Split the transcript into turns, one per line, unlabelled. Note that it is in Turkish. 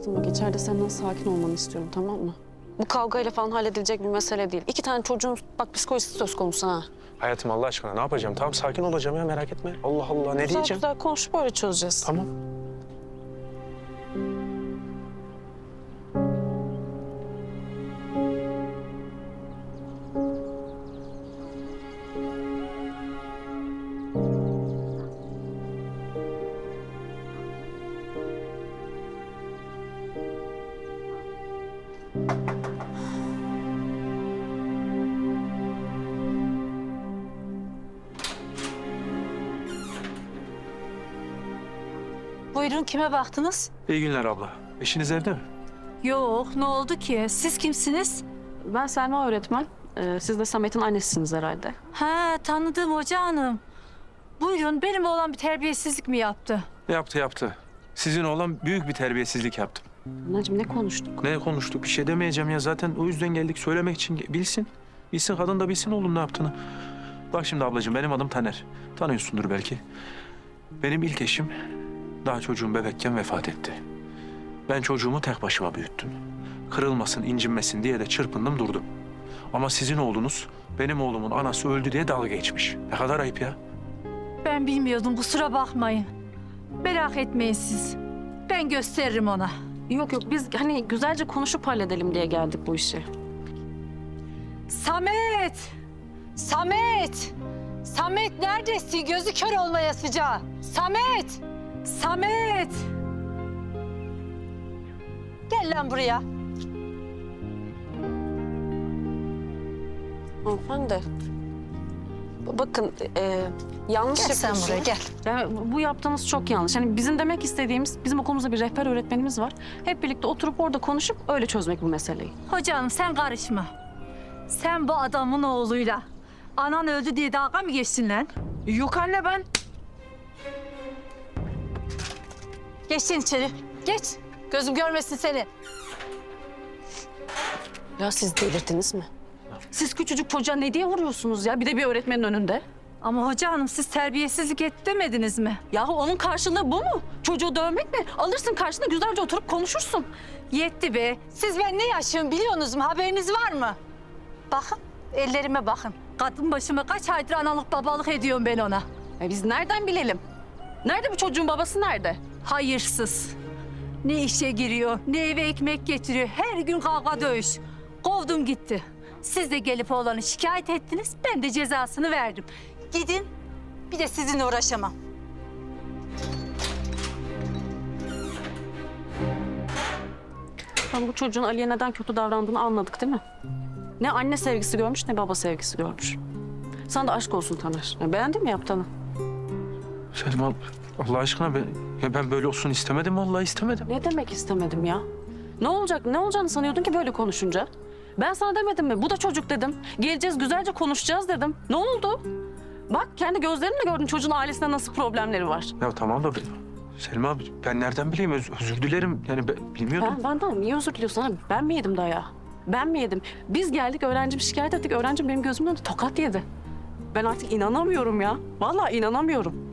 Hayatım bak içeride senden sakin olmanı istiyorum, tamam mı? Bu kavgayla falan halledilecek bir mesele değil. 2 tane çocuğun bak psikolojisi söz konusu ha.
Hayatım Allah aşkına ne yapacağım? Tamam sakin olacağım ya merak etme. Allah Allah ne
Güzel
diyeceğim?
güzel konuşup böyle çözeceğiz.
Tamam.
Buyurun, kime baktınız?
İyi günler abla. Eşiniz evde mi?
Yok, ne oldu ki? Siz kimsiniz?
Ben Selma öğretmen. Siz de Samet'in annesisiniz herhalde.
Ha, tanıdım hoca hanım. Buyurun, benim oğlan bir terbiyesizlik mi yaptı?
Yaptı. Sizin oğlan büyük bir terbiyesizlik yaptım.
Anacığım ne konuştuk?
Ne konuştuk? Bir şey demeyeceğim ya. Zaten o yüzden geldik söylemek için. Bilsin. Bilsin kadın da bilsin oğlum ne yaptığını. Bak şimdi ablacığım benim adım Taner. Tanıyorsundur belki. Benim ilk eşim daha çocuğum bebekken vefat etti. Ben çocuğumu tek başıma büyüttüm. Kırılmasın, incinmesin diye de çırpındım durdum. Ama sizin oğlunuz benim oğlumun anası öldü diye dalga geçmiş. Ne kadar ayıp ya.
Ben bilmiyordum, kusura bakmayın. Merak etmeyin siz. Ben gösteririm ona.
Yok biz hani güzelce konuşup halledelim diye geldik bu işi.
Samet! Samet! Samet neredesin? Gözü kör olmaya sıcağı. Samet! Samet! Gel lan buraya.
Hanımefendi. Bakın yanlış
Gel sen
yapıyorsunuz.
buraya, gel.
Yani bu yaptığınız çok yanlış. Hani bizim demek istediğimiz, bizim okulumuzda bir rehber öğretmenimiz var. Hep birlikte oturup orada konuşup öyle çözmek bu meseleyi.
Hocam sen karışma. Sen bu adamın oğluyla anan öldü diye dalga mı geçtin lan?
Yok anne ben.
Geç sen içeri. Geç. Gözüm görmesin seni.
Ya siz delirdiniz mi? Siz küçücük çocuğa ne diye vuruyorsunuz ya? Bir de bir öğretmenin önünde.
Ama hoca hanım siz terbiyesizlik et demediniz mi?
Yahu onun karşılığı bu mu? Çocuğu dövmek mi? Alırsın karşına güzelce oturup konuşursun.
Yetti be. Siz ben ne yaşıyorum biliyorsunuz mu? Haberiniz var mı? Bakın ellerime bakın. Kadın başıma kaç aydır analık babalık ediyorum ben ona.
Biz nereden bilelim? Nerede bu çocuğun babası nerede?
Hayırsız. Ne işe giriyor, ne eve ekmek getiriyor. Her gün kavga dövüş. Kovdum gitti. Siz de gelip oğlanı şikayet ettiniz. Ben de cezasını verdim. Gidin. Bir de sizinle uğraşamam.
Ben bu çocuğun Ali'ye neden kötü davrandığını anladık değil mi? Ne anne sevgisi görmüş ne baba sevgisi görmüş. Sana da aşk olsun Taner. Beğendin mi yaptığını?
Selma Allah aşkına ben böyle olsun istemedim vallahi istemedim.
Ne demek istemedim ya? Ne olacak? Ne olacağını sanıyordun ki böyle konuşunca? Ben sana demedim mi? Bu da çocuk dedim. Geleceğiz güzelce konuşacağız dedim. Ne oldu? Bak kendi gözlerinle gördün çocuğun ailesinde nasıl problemleri var.
Ya tamam da Selma ben nereden bileyim özür dilerim yani bilmiyordum.
Benden niye özür diliyorsun abi? Ben mi yedim dayağı? Ben mi yedim? Biz geldik öğrencim şikayet ettik. Öğrencim benim gözümün önünde tokat yedi. Ben artık inanamıyorum ya. Vallahi inanamıyorum.